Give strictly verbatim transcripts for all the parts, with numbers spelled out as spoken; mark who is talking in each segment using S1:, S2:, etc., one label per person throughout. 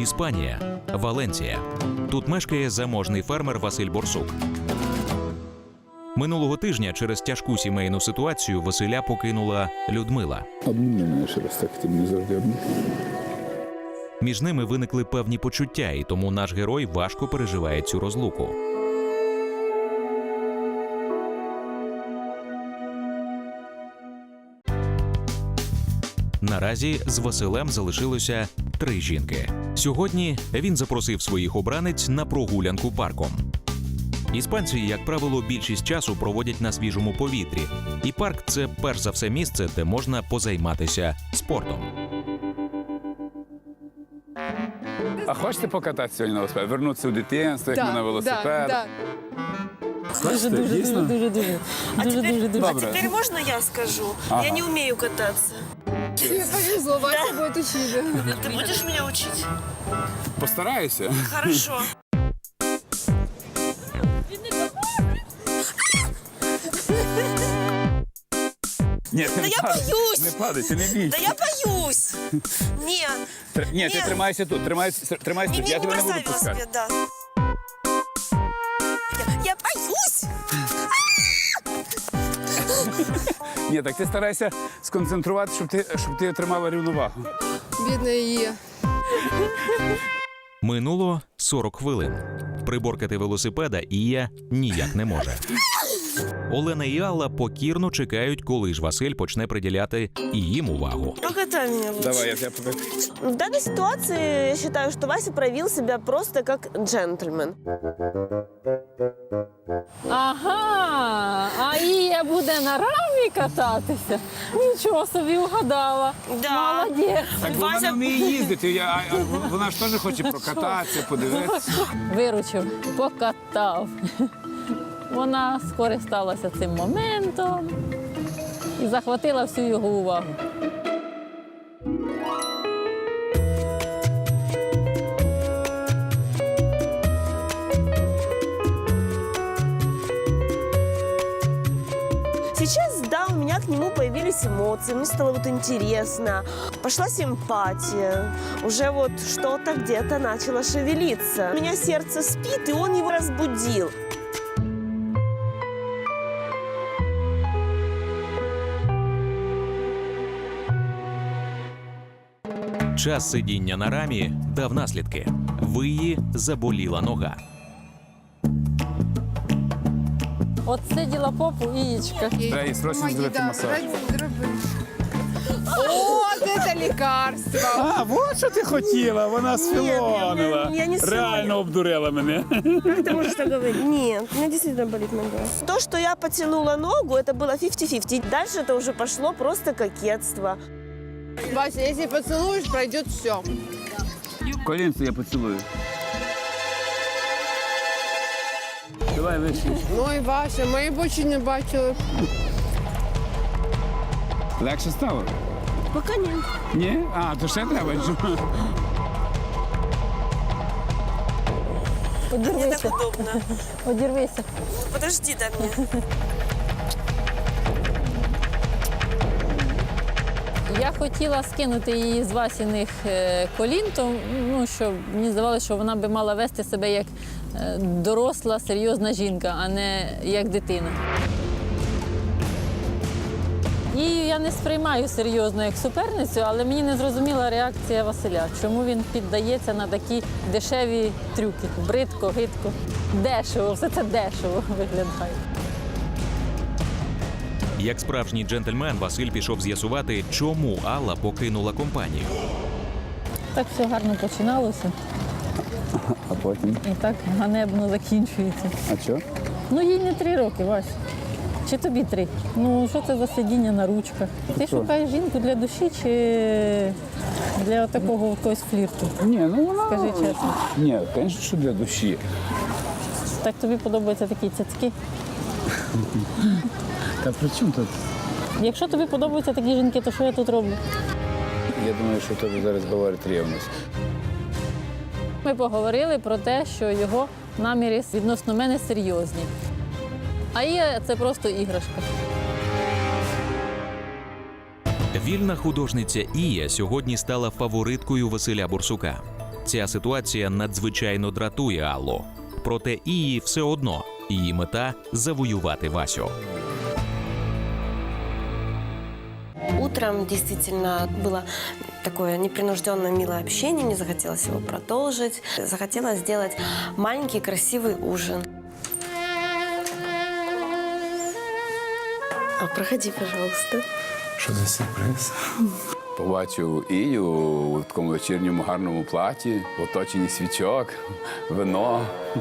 S1: Іспанія, Валенсія. Тут мешкає заможний фермер Василь Борсук. Минулого тижня через тяжку сімейну ситуацію Василя покинула Людмила.
S2: Обніми мене ще раз так, ти мені завжди обніми.
S1: Між ними виникли певні почуття, і тому наш герой важко переживає цю розлуку. Наразі з Василем залишилося три жінки. Сьогодні він запросив своїх обранець на прогулянку парком. Іспанці, як правило, більшість часу проводять на свіжому повітрі. І парк – це перш за все місце, де можна позайматися спортом.
S2: А хочете покататися сьогодні на велосипеді? Вернутися у дитинство, як ми на велосипед?
S3: Да, да.
S2: Хочете?
S4: Дуже,
S2: Дійсно?
S4: дуже, дуже,
S5: А
S4: дуже,
S5: теперь,
S4: дуже, дуже.
S5: а
S2: Добре.
S5: теперь можно я скажу?
S2: Ага.
S5: Я не умею кататься.
S3: Тебе повезло, Вася будет учить.
S5: Ты будешь меня учить?
S2: Постараюся.
S5: Хорошо.
S2: Ні, ти
S5: Да
S2: не
S5: я
S2: падай.
S5: боюсь.
S2: Не падай, ти не
S5: Да
S2: бійся.
S5: я боюсь. Не,
S2: Тр- Ні, ти
S5: Ні.
S2: тримайся тут, тримайся, тримайся
S5: не,
S2: тут,
S5: не,
S2: я
S5: не
S2: тебе не буду
S5: бросай
S2: пускати.
S5: велосипед, да. Я, я боюсь.
S2: Ні, так ти старайся сконцентрувати, щоб ти, щоб ти тримала рівновагу.
S3: Бедная Ия.
S1: Минуло сорок хвилин. Приборкати велосипеда Ія ніяк не може. Олена і Алла покірно чекають, коли ж Василь почне приділяти і їм увагу.
S5: Покатай меня лучше.
S2: Давай, я тебе покажу.
S5: В данной ситуации я считаю, что Вася проявил себя просто как джентльмен.
S4: Ага, а Ія буде на рамі кататися? Нічого собі угадала.
S5: Да.
S4: Молодець.
S2: Так бо вона вміє їздити, я, а, а вона ж теж хоче прокататися, подивитися.
S4: Виручив, покатав. Вона скористалася цим моментом і захватила всю його увагу.
S5: Сейчас, да, у меня к нему появились эмоции, мне стало вот интересно, пошла симпатия, уже вот что-то где-то начало шевелиться. У меня сердце спит, и он его разбудил.
S1: Час сидіння на рамі дав наслідки. Виї заболіла нога.
S4: От сиділа попу Ієчка.
S2: Треба їй срочно зробити масаж.
S3: Вот это лекарство.
S2: А, от що ти хотіла, вона сфілонила.
S5: я не
S2: Реально обдурила мене.
S5: Как ты можешь так говорить? Нет, у меня действительно болит нога. То, что я потянула ногу, это было фифти-фифти. Дальше это уже пошло просто кокетство.
S3: Вася, если поцелуешь, пройдет все.
S2: Колінце я поцілую. Давай вище.
S3: Ой, Вася, мої бочі не бачили.
S2: Легше стало?
S5: Пока нет.
S2: Ні? А, то ще треба.
S5: Мне
S4: Одірвися,
S5: так удобно.
S4: одірвися.
S5: Подожди до меня.
S4: Я хотіла скинути її з Васіних е, колін, то, ну, що мені здавалося, що вона би мала вести себе як е, доросла, серйозна жінка, а не як дитина. Її я не сприймаю серйозно як суперницю, але мені не зрозуміла реакція Василя. Чому він піддається на такі дешеві трюки? Бридко, гидко, дешево, все це дешево виглядає.
S1: Як справжній джентльмен, Василь пішов з'ясувати, чому Алла покинула компанію.
S4: Так все гарно починалося
S2: А потім?
S4: і так ганебно закінчується.
S2: А що?
S4: Ну, їй не три роки, Вась. Чи тобі три? Ну, що це за сидіння на ручках? Ти шукаєш жінку для душі чи для такого якогось флірту?
S2: Ні, ну вона...
S4: Скажи чесно.
S2: Ні, звісно, що для душі.
S4: Так тобі подобаються такі цяцьки?
S2: Та при чому тут?
S4: Якщо тобі подобаються такі жінки, то що я тут роблю?
S2: Я думаю, що тобі зараз говорить рівність.
S4: Ми поговорили про те, що його наміри відносно мене серйозні. А Ія – це просто іграшка.
S1: Вільна художниця Ія сьогодні стала фавориткою Василя Борсука. Ця ситуація надзвичайно дратує Аллу. Проте її все одно. Її мета – завоювати Васю.
S5: Утром действительно было такое непринужденное, милое общение. Мне захотелось его продолжить. Захотелось сделать маленький красивый ужин. А, проходи, пожалуйста.
S2: Що за сюрприз? Побачив Ію у такому вечірньому гарному платі, в оточенні свічок, вино.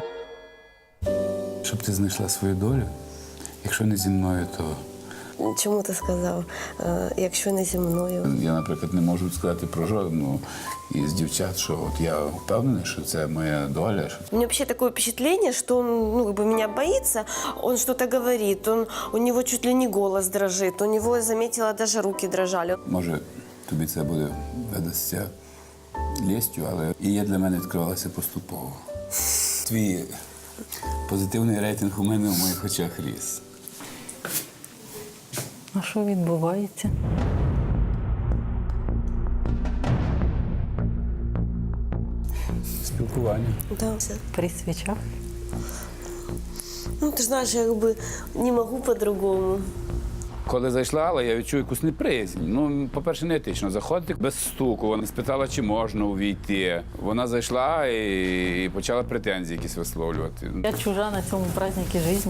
S2: Щоб ти знайшла свою долю, якщо не зі мною, то
S5: Чому ти сказав, е, якщо не зі мною?
S2: я, наприклад, не можу сказати про жодну із дівчат, що от я впевнений, що це моя доля. що-
S5: У меня вообще такое впечатление, что он ну, как бы меня боится, он что-то говорит, он, у него чуть ли не голос дрожит, у него, я заметила, даже руки дрожали.
S2: Може, тобі це буде видасться лестю, але і я для мене відкривалася поступово. Твій позитивний рейтинг у мене в моїх очах ріс.
S4: А що відбувається?
S2: Спілкування.
S5: Да.
S4: При свічах?
S5: Ну, ты знаешь, я как бы не могу по-другому.
S2: Коли зайшла Алла, я відчув якусь неприязнь. Ну, по-перше, не етично заходити без стуку. Вона спитала, чи можна увійти. Вона зайшла і, і почала претензії якісь висловлювати.
S4: Я чужа на цьому празднику житті.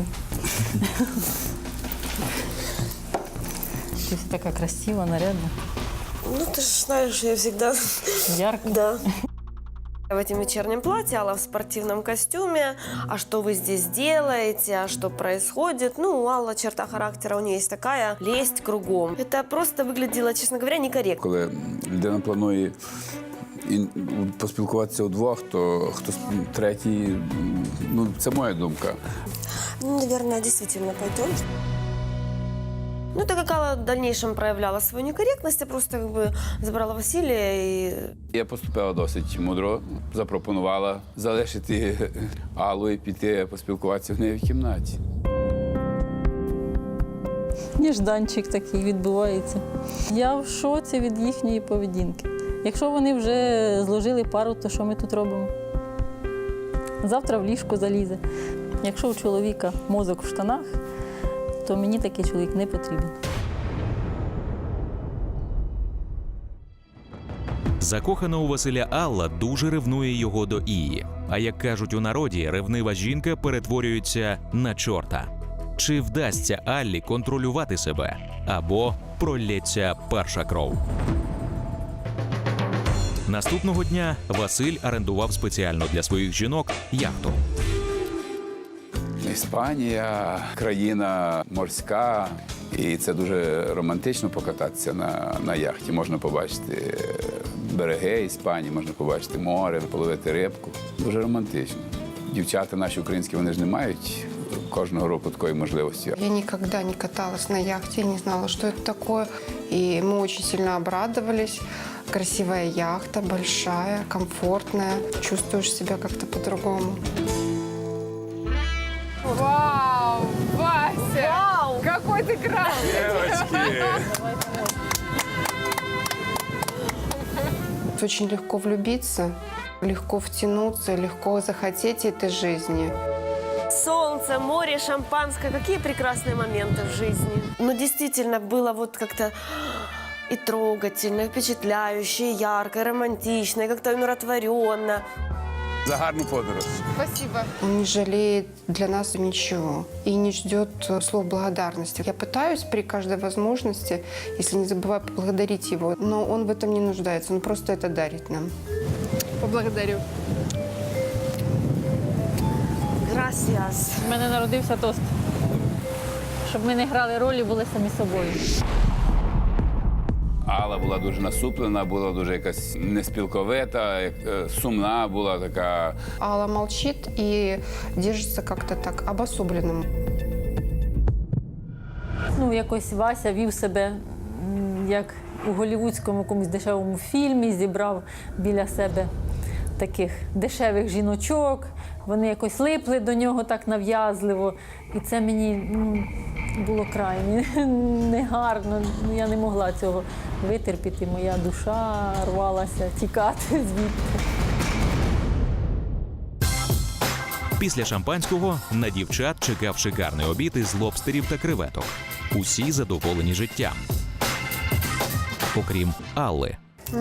S4: Ти вся така красива, нарядна,
S5: Ну, ты же знаешь, я всегда...
S4: ярка.
S5: Да. В этом вечернем платье, Алла в спортивном костюме. А что вы здесь делаете? А что происходит? Ну, у Аллы черта характера, у нее есть такая лезть кругом. Это просто выглядело, честно говоря, некорректно.
S2: Коли людина планує і поспілкуватися удвох, то хтось третій, ну, це моя думка.
S5: Ну, наверное, действительно пойдем. Ну, так как Алла в дальнейшем проявляла свою некорректность, я просто как бы забрала Василия и...
S2: Я поступила досить мудро, запропонувала залишити Аллу і піти поспілкуватися в неї в кімнаті.
S4: Ніжданчик такий відбувається. Я в шоці від їхньої поведінки. Якщо вони вже зложили пару, то що ми тут робимо? Завтра в ліжко залізе. Якщо у чоловіка мозок в штанах, то мені такий чоловік не потрібен.
S1: Закохана у Василя Алла дуже ревнує його до Ії. А як кажуть у народі, ревнива жінка перетворюється на чорта. Чи вдасться Аллі контролювати себе? Або пролється перша кров? Наступного дня Василь орендував спеціально для своїх жінок яхту.
S2: Іспанія, країна морська, і це дуже романтично покататися на, на яхті. Можна побачити береги Іспанії, можна побачити море, половити рибку. Дуже романтично. Дівчата наші українські, вони ж не мають кожного року такої можливості.
S3: Я никогда не каталась на яхте, не знала, что это такое. И мы очень сильно обрадовались. Красивая яхта, большая, комфортная. Чувствуешь себя как-то по-другому. Вау, Вася!
S5: Вау!
S3: Какой ты красивый! Очень легко влюбиться, легко втянуться, легко захотеть этой жизни.
S5: Солнце, море, шампанское. Какие прекрасные моменты в жизни. Но действительно было вот как-то и трогательно, и впечатляюще, и ярко, и романтично, и как-то умиротворенно.
S2: За гарну подорож.
S3: Спасибо. Он не жалеет для нас ничего и не ждет э, слов благодарности. Я пытаюсь при каждой возможности, если не забываю, поблагодарить его, но он в этом не нуждается, он просто это дарит нам. Поблагодарю.
S5: Gracias.
S4: У мене народився тост. Щоб ми не грали ролі, були самі собою.
S2: Алла була дуже насуплена, була дуже якась неспілковита, як- е, сумна була така.
S3: Алла молчит и держится как-то так обособленно.
S4: Ну, якось Вася вів себе м, як у голівудському якомусь дешевому фільмі, зібрав біля себе таких дешевих жіночок. Вони якось липли до нього так нав'язливо. І це мені ну, було крайне негарно. Ну, я не могла цього витерпіти. Моя душа рвалася тікати звідти.
S1: Після шампанського на дівчат чекав шикарний обід із лобстерів та креветок. Усі задоволені життям. Окрім Алли.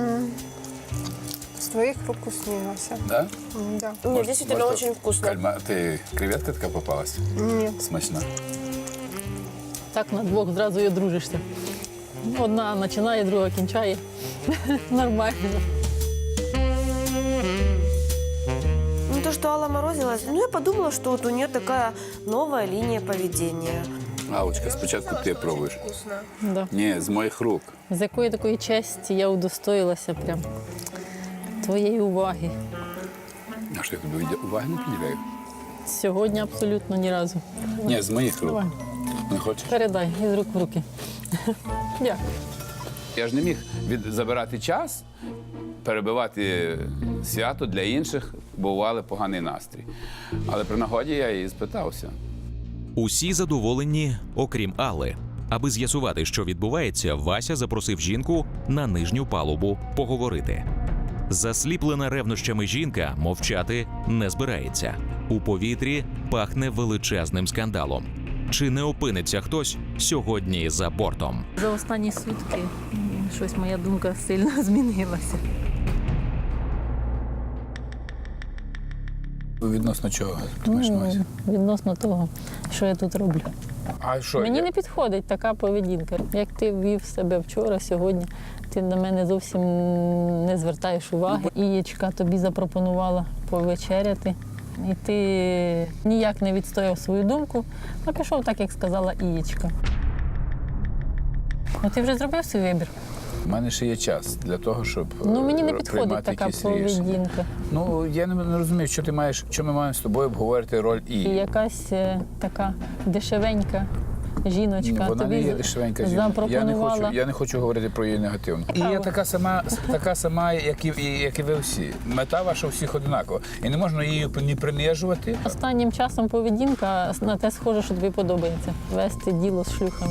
S3: С твоих рук вкуснее, Вася.
S2: Да?
S3: М, Да.
S5: Мне
S2: Может,
S5: действительно
S2: может,
S5: очень вкусно.
S2: Кальма... Ти креветка така попалась?
S3: Нет.
S2: Смачна.
S4: Так на двох зразу і одружишся. Одна починає, друга кінчає. Нормально.
S5: Ну, то, что Алла морозилась, ну, я подумала, что вот у нее такая новая линия поведения.
S2: Аллочка, спочатку ти пробуєш.
S4: Да.
S2: Ні, з моїх рук.
S4: З якої такої честі я удостоїлася прям твоєї уваги.
S2: А що я тобі від- уваги не приділяю?
S4: Сьогодні абсолютно ні разу.
S2: Ні, з моїх рук.
S4: Давай,
S2: Не хочеш?
S4: передай із рук в руки. Дякую.
S2: Я ж не міг від... забирати час, перебивати свято для інших, бо бували поганий настрій. Але при нагоді я її спитався.
S1: Усі задоволені, окрім Алли. Аби з'ясувати, що відбувається, Вася запросив жінку на нижню палубу поговорити. Засліплена ревнощами жінка мовчати не збирається. У повітрі пахне величезним скандалом. Чи не опиниться хтось сьогодні за бортом?
S4: За останні сутки м, щось моя думка сильно змінилася.
S2: Відносно чого? Ти маєш на увазі?
S4: Ну, відносно того, що я тут роблю.
S2: А що?
S4: Мені
S2: я-
S4: не підходить така поведінка. Як ти вів себе вчора, сьогодні, ти на мене зовсім не звертаєш уваги. Ієчка тобі запропонувала повечеряти, і ти ніяк не відстояв свою думку, а пішов так, як сказала Ієчка. Ну ти вже зробив свій вибір?
S2: У мене ще є час для того, щоб
S4: Ну мені не
S2: е,
S4: підходить
S2: приймати
S4: така
S2: якісь рішення.
S4: поведінка.
S2: Ну, я не, не розумію, що ти маєш, що ми маємо з тобою обговорити роль і.
S4: І якась е, така дешевенька жіночка
S2: Вона
S4: тобі
S2: не є дешевенька жінка. Я не
S4: запропонувала.
S2: хочу, я не хочу говорити про її негативно. І я така сама, така сама, як і, і- як і ви всі. Мета ваша у всіх однакова. І не можна її ні принижувати.
S4: Останнім часом поведінка на те схоже, що тобі подобається. Вести діло з шлюхами.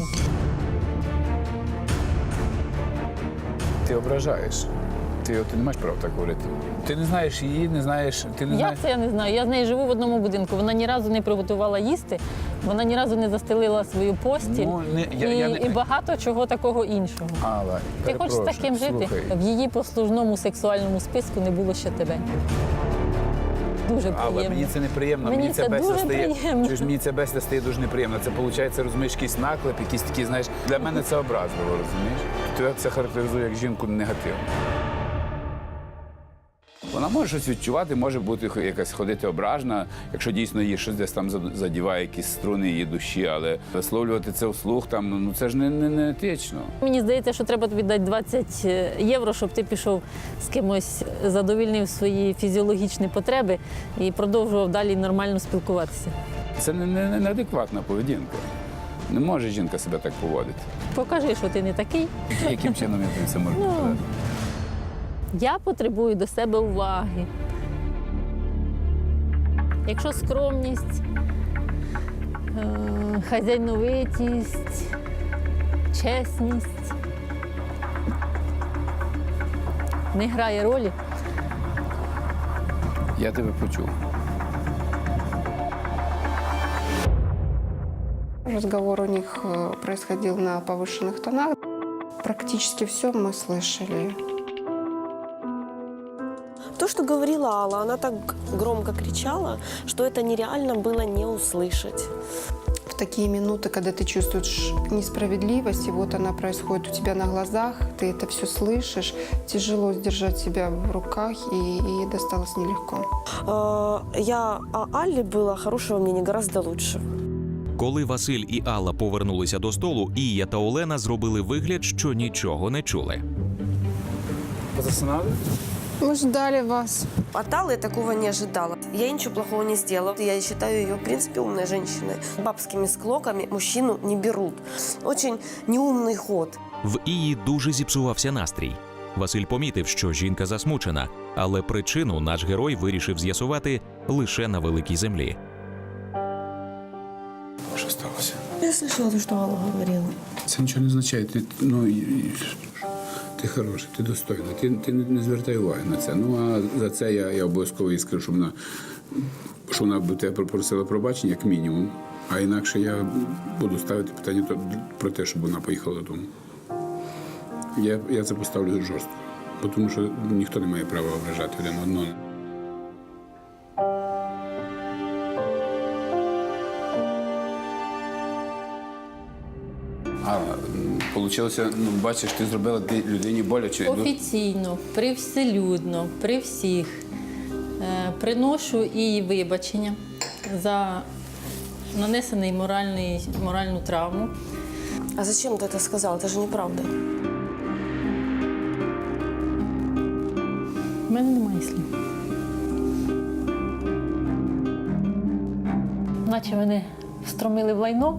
S2: Ти ображаєш. Ти, ти не маєш права так говорити. Ти не знаєш її, не знаєш. Ти не
S4: Як
S2: знаєш.
S4: це я не знаю? Я з нею живу в одному будинку. Вона ні разу не приготувала їсти, вона ні разу не застелила свою постіль
S2: Ну, не- я-
S4: і,
S2: я не-
S4: і багато чого такого іншого.
S2: Алла,
S4: Ти хочеш з
S2: перепрошую,
S4: таким жити?
S2: слухай.
S4: В її послужному сексуальному списку не було ще тебе. Дуже
S2: Але
S4: приємно.
S2: мені це неприємно.
S4: Мені це
S2: бесіда
S4: дуже
S2: стає,
S4: приємно.
S2: чуєш, мені це бесіда стає дуже неприємно. Це виходить, розумієш, якийсь наклеп, якісь такі, знаєш, для мене це образливо, розумієш? Тебе це характеризує як жінку негативно. Вона може щось відчувати, може бути якась ходити ображена, якщо дійсно її щось десь там задіває, якісь струни її душі, але висловлювати це вслух, там, ну це ж не, не, не етично.
S4: Мені здається, що треба тобі дати двадцять євро, щоб ти пішов з кимось, задовільнив свої фізіологічні потреби і продовжував далі нормально спілкуватися.
S2: Це не, не, неадекватна поведінка. Не може жінка себе так поводити.
S4: Покажи, що ти не такий.
S2: Яким чином я тобі це можу
S4: Ну.
S2: показати?
S4: Я потребую до себе уваги. Якщо скромність, е, хазяйновитість, чесність не грає ролі,
S2: Я тебе почув.
S3: Разговор у них э, происходил на повышенных тонах. Практически все мы слышали.
S5: То, что говорила Алла, она так громко кричала, что это нереально было не услышать.
S3: В такие минуты, когда ты чувствуешь несправедливость, и вот она происходит у тебя на глазах, ты это все слышишь, тяжело сдержать себя в руках, и, и досталось нелегко.
S5: Э, Я о Алле было хорошего мнения гораздо лучше.
S1: Коли Василь і Алла повернулися до столу, Ія та Олена зробили вигляд, що нічого не чули.
S2: Засинали?
S3: Мы ждали вас.
S5: От Аллы я такого не ожидала. Я ничего плохого не сделала. Я считаю ее, в принципе, умной женщиной. Бабскими склоками мужчину не берут. Очень неумный ход.
S1: В Ії дуже зіпсувався настрій. Василь помітив, що жінка засмучена, але причину наш герой вирішив з'ясувати лише на великій землі.
S2: Що сталося?
S5: Я слышала то, что Алла говорила.
S2: Це нічого не означає. Ти, ну, і- і- ти ти хороша, ти достойна, ти, ти не, не звертай уваги на це. Ну, а за це я, я обов'язково їй скажу, що вона, що вона б тебе попросила пробачення, як мінімум. А інакше я буду ставити питання то- про те, щоб вона поїхала додому. Я, я це поставлю жорстко, бо тому що ніхто не має права ображати один одного. А, вийшло, ну, бачиш, ти зробила людині боляче.
S4: Офіційно, привселюдно, при всіх е, приношу і вибачення за нанесений моральний, моральну травму.
S5: А зачем ты это сказал? Это же неправда.
S4: У мене немає слів. Наче мене встромили в лайно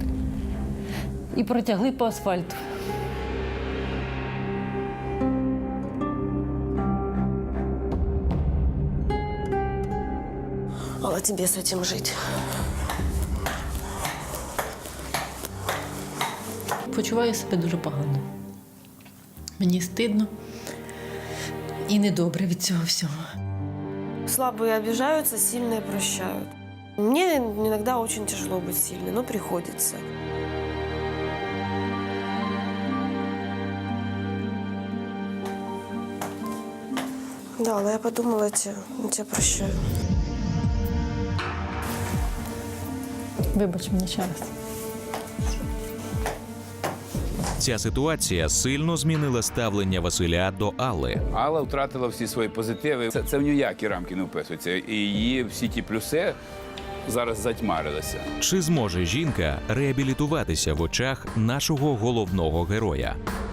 S4: і протягли по асфальту.
S5: А тебе с этим жить.
S4: Почуваю себе дуже погано. Мені стидно і недобре від цього всього.
S5: Слабые обижаются, сильные прощают. Мне иногда очень тяжело быть сильной, но приходится. Да, но я подумала, я тебя, я тебя прощаю.
S4: Вибач мені ще раз.
S1: Ця ситуація сильно змінила ставлення Василя до Алли.
S2: Алла втратила всі свої позитиви. Це, це в ніякі рамки не вписується. І її всі ті плюси зараз затьмарилися.
S1: Чи зможе жінка реабілітуватися в очах нашого головного героя?